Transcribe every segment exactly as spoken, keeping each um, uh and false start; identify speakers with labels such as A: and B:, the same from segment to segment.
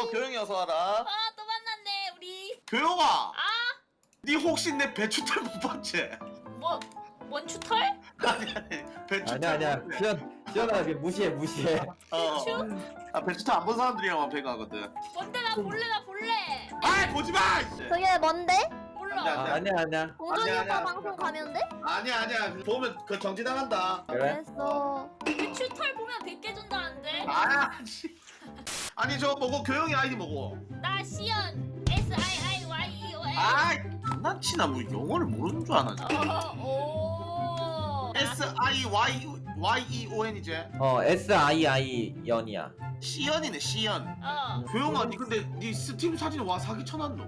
A: 어 교영이 어서 와라.
B: 아 또 만났네 우리.
A: 교영아.
B: 아?
A: 니 혹시 내 배추털 못 봤지?
B: 뭐? 뭔 추털?
A: 아니 아니 배추털.
C: 아니야 아니야 시연 시연아 그 무시해 무시해.
A: 어.
B: 추?
A: 아 배추털 안 본 사람들이랑만 배가거든.
B: 뭔데 나 볼래 나 볼래.
A: 아이 보지 마. 이씨.
D: 그게 뭔데?
B: 몰라.
A: 안 돼,
C: 아,
A: 안 돼.
C: 아니야 아니야.
D: 공정이
A: 아니야,
D: 오빠
A: 아니야.
D: 방송 가면 돼?
A: 아니야 아니야 보면 그 정지 당한다.
C: 그래?
D: 알겠어.
B: 그 추털 보면 백 개 준다는데.
A: 아 씨. 아니 저 뭐고 교영이 아이디 뭐고?
B: 나 시연 S I I Y E O N.
A: 아이 장난치나 뭐 영어를 모르는 줄 아나.
B: 어, 오.
A: S I Y Y E O N 이제
C: 어 S I I 연이야.
A: 시연이네 시연.
B: 어.
A: 교영아 니 근데 니 스팀 사진에 와 사기 쳐놨노?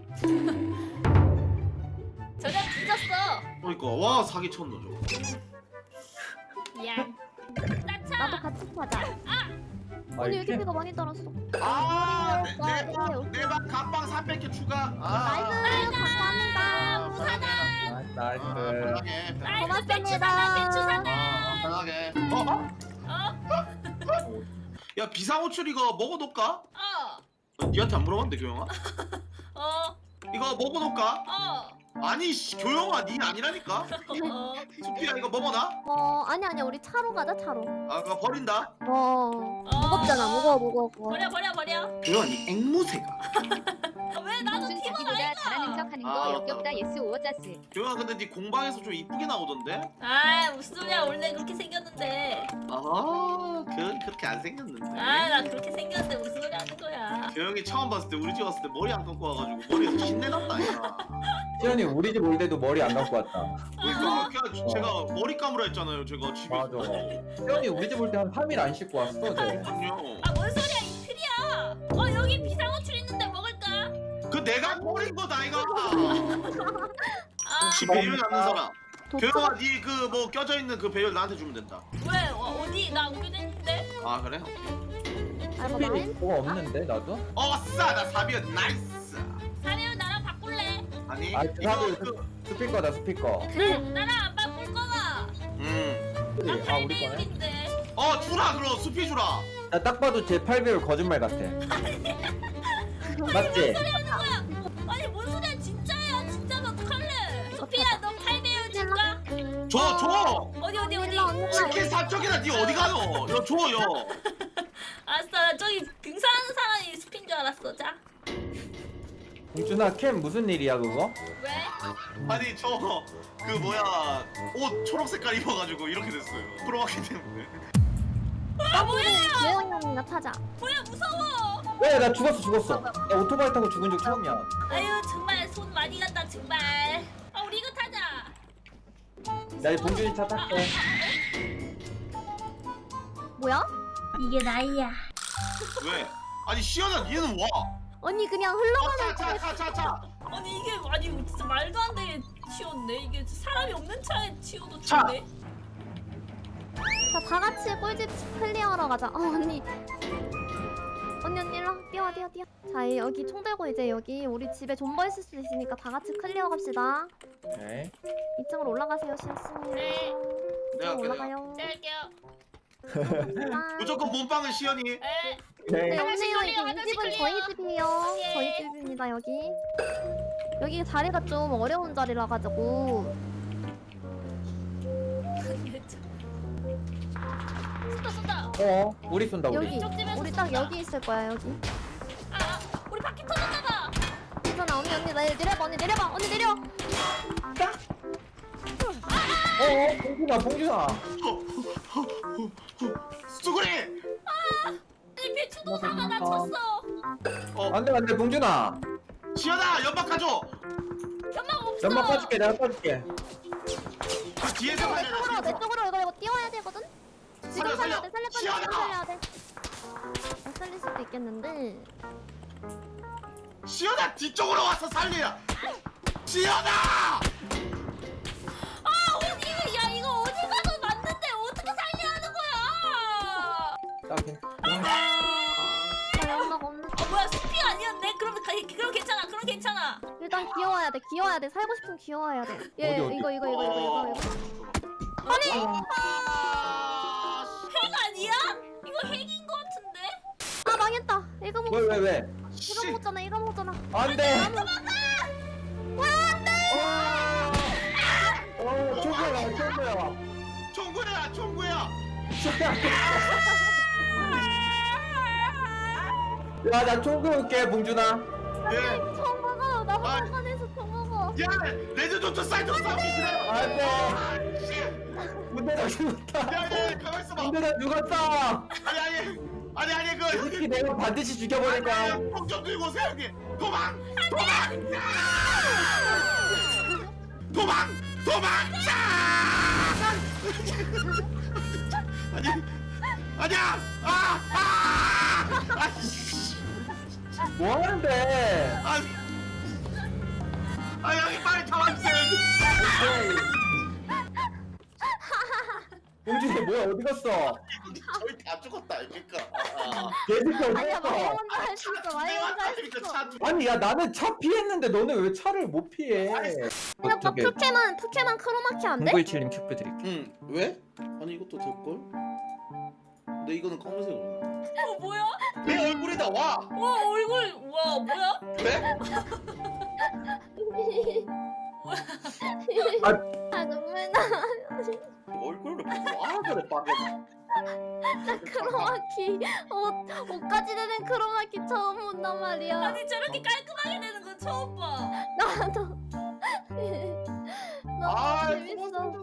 B: 저녁 뒤졌어.
A: 그러니까 와 사기 쳤노 저거.
B: 미안. 나차.
D: 나도 같이 타자.
C: 아,
D: 언니
C: 이렇게?
D: 유기비가 많이 떨었어.
A: 아,
D: 오케이, 오케이.
A: 내내방 갑방 삼백 개 추가. 아,
D: 나이스 감사합니다.
B: 무사다.
C: 나이스.
A: 아, 편하게.
B: 나이스 배추
D: 고맙습니다.
B: 사다 배추 사다.
A: 아, 편하게. 어?
B: 어?
A: 야 비상호출 이거 먹어놓을까?
B: 어.
A: 어, 니한테 안 물어봤는데 교영아?
B: 어.
A: 이거 먹어놓을까?
B: 어.
A: 아니 씨, 교영아 니 아니라니까?
B: 어.
A: 수피야 이거 먹어놔?
D: 어 아니 아니야 우리 차로 가자 차로.
A: 아 그거 버린다?
D: 어 무겁잖아 무거워 무거워.
B: 버려 버려 버려.
A: 교영아 니 앵무새가.
B: 아, 왜 나도
E: 무슨
B: 팀원
E: 자기보다
B: 아이가?
E: 잘하는 척하는
A: 아,
E: 거 역겹다 예스 오어짜스.
A: 교영아 근데 니 공방에서 좀 이쁘게 나오던데?
B: 아 무슨 소리야 원래 그렇게 생겼는데.
A: 아 교영이 그렇게 안 생겼는데.
B: 아 나 그렇게 생겼는데 무슨 소리 하는 거야.
A: 교영이 처음 봤을 때 우리 집 왔을 때 머리 안 감고 와가지고 머리에서 신내 났다 야.
C: 시연이 우리 집 올 때도 머리 안 감고 왔다.
A: 그러니까 그냥 제가 머리 감으라 했잖아요 제가 집에.
C: 맞아. 시연이 우리 집 올 때 한 삼 일 안 씻고 왔어. 쟤.
A: 아니요.
B: 아 뭔 소리야 이틀이야. 어 여기 비상호출 있는데 먹을까?
A: 그 내가 버린 거다 이거.
B: 아
A: 혹시 배율 남는 사람?
D: 도착.
A: 교영아 니 그 뭐 껴져 있는 그 배율 나한테 주면 된다.
B: 왜? 어, 어디? 나 옮겨져 있는데?
A: 아 그래? 오케이.
D: 아 이거 나인?
C: 뭐가 없는데 나도?
A: 어싸 나 사비언 나이스.
B: 사내우 나랑 바꿀래?
A: 아니
C: 아
A: 이거
C: 나도
A: 그
C: 스피커다 스피커.
B: 나랑 안 바꿀 거가.
A: 음.
B: 나
C: 아
B: 팔
C: 우리 거네?
B: 배율인데.
A: 어 주라 그럼 수피 주라.
C: 나 딱 봐도 제 팔 배율 거짓말 같아. 맞지?
B: 하는 거야? 아니 뭔 소리야 진짜야 진짜면 어떡할래? 소피야 너 팔 배율 줄까?
A: 줘 줘.
B: 어디 어디 어디?
D: 일로 와, 일로 와.
A: 치킨 삼쪽이나 니 어디 가노? 여 줘요.
B: 알았어 나 저기 등산하는 사람이 숲인 줄 알았어 자.
C: 공준아 캠 무슨 일이야 그거?
B: 왜?
A: 아니 저 그 뭐야 옷 초록 색깔 입어가지고 이렇게 됐어요. 프로하기 때문에.
B: 아 뭐야?
D: 재영이 형이나 타자.
B: 뭐야 무서워.
C: 왜 나 죽었어 죽었어. 나 오토바이 타고 죽은 적 처음이야.
B: 아유 정말 손 많이 간다 정말. 아 우리 이거 타자.
C: 나 이 봉준이 차
B: 아, 아,
C: 탈게.
D: 뭐야?
B: 이게 나이야.
A: 왜? 아니 시연아 얘는 와.
D: 언니 그냥 흘러가는
A: 차차차차차.
B: 아니 이게 아니 진짜 말도 안 되게 치웠네. 이게 사람이 없는 차에 치워도
A: 차.
B: 좋네.
D: 자, 다 같이 꿀집 클리어하러 가자. 어, 언니. 언니, 언니, 일로 와. 뛰어, 뛰어, 뛰어. 자, 여기 총 들고 이제 여기 우리 집에 존버 있을 수 있으니까 다 같이 클리어 갑시다.
C: 오케이.
D: 이 층으로 올라가세요, 실수.
B: 네.
A: 내가 할게,
D: 올라가요.
B: 제가 할게요.
D: 아.
A: 무조건 몸빵은 시연이.
B: 에.
D: 네,
C: 오케이.
B: 하나씩
D: 없네요.
B: 클리어,
D: 이게 이
B: 하나씩
D: 집은
B: 클리어.
D: 저희 집이에요.
B: 예.
D: 저희 집입니다, 여기. 여기 자리가 좀 어려운 자리라 가지고.
B: 쏜다 쏜다.
C: 어 우리 쏜다 우리.
D: 여기.
B: 왼쪽 집에서
D: 우리 딱
B: 쏜다.
D: 여기 있을 거야, 여기.
B: 아, 아 우리 바퀴 터졌나봐.
D: 괜찮아, 언니, 언니, 내- 내려봐, 언니, 내려봐, 언니, 내려.
C: 어 봉준아 봉준아.
A: 수구리.
B: 아니 배추도사가 나 쳤어.
A: 어
C: 안돼 안돼 봉준아.
A: 시연아 연막 가져.
B: 연막 없어.
C: 연막 빠줄게 내가 빠줄게.
A: 그 뒤에서
D: 내
A: 가야
D: 쪽으로, 내 쪽으로 이거, 이거 띄워야 되거든? 지금
A: 살려,
D: 살려야
A: 살려.
D: 돼, 살릴 거야,
A: 시원하!
D: 지금 살려야 돼. 못 살릴 수도 있겠는데.
A: 시연아 뒤쪽으로 와서 살리야. 시연아.
B: 아 어디 야 이거 어디 가서 맞는데 어떻게 살려하는 거야?
C: 오케이.
D: 나 연막 없는.
B: 어 뭐야 숲이 아니었네? 그럼 가- 그럼 괜찮아. 그럼 괜찮아.
D: 일단 귀여워야 돼, 귀여워야 돼. 살고 싶으면 귀여워야 돼. 얘,
C: 어디, 어디?
D: 이거, 이거, 이거, 이거, 이거, 이거.
B: 아니
A: 아,
B: 핵 아니야? 이거 핵인 거 같은데?
D: 아, 망했다. 이거 뭐.
C: 왜 왜 왜?
A: 씨.
D: 이거 먹었잖아 이거 먹었잖아.
C: 안돼. 어 총구야 총구야.
A: 총구야 총구야.
C: 야나 총구 올게 봉준아.
A: 예.
D: 총 먹어. 나
A: 아.
D: 화관에서 총 먹어.
A: 야 레드 도트 사이드 싸움이 그래.
C: 안돼.
A: 씨.
C: 문대다 죽었다.
A: 야야 가만 있어봐.
C: 문대다 죽었다.
A: 아니 아니 아니 아니
C: 이
A: 그.
C: 새끼 내가 반드시 죽여버릴 거야.
A: 폭좀 들고 오세요 형님. 도망 도망. 도망 도망자. 아니 아니야. 아 아. 아이씨.
C: 뭐 하는데?
A: 아, 아 여기 빨리 잡아주세요.
C: 봉준이 뭐야 어디 갔어?
A: 저희 다 죽었다 아닙니까? 아,
C: 개새끼 어디
D: 아니야 마이
C: 갔어?
D: 혼자 할 수 있어. 마이 혼자 할 수 있어.
C: 아니 야 나는 차 피했는데 너는 왜 차를 못 피해?
D: 근데 오빠 포켓몬 포켓몬 크로마키 안 돼?
C: 공구이칠님 큐브 드릴게.
A: 응 왜? 아니 이것도 될걸? 근데 이거는 검은색으로.
B: 어 뭐야?
A: 내 얼굴에다 와.
B: 와 얼굴 와 뭐야?
A: 왜?
D: 아 눈물 나.
A: 얼굴로 와 그래 빠게.
D: 나 크로마키 옷 옷까지 되는 크로마키 처음 본단 말이야.
B: 아니 저렇게 깔끔하게 되는 건 처음 봐.
D: 나도. 너무
A: 아
D: 재밌어.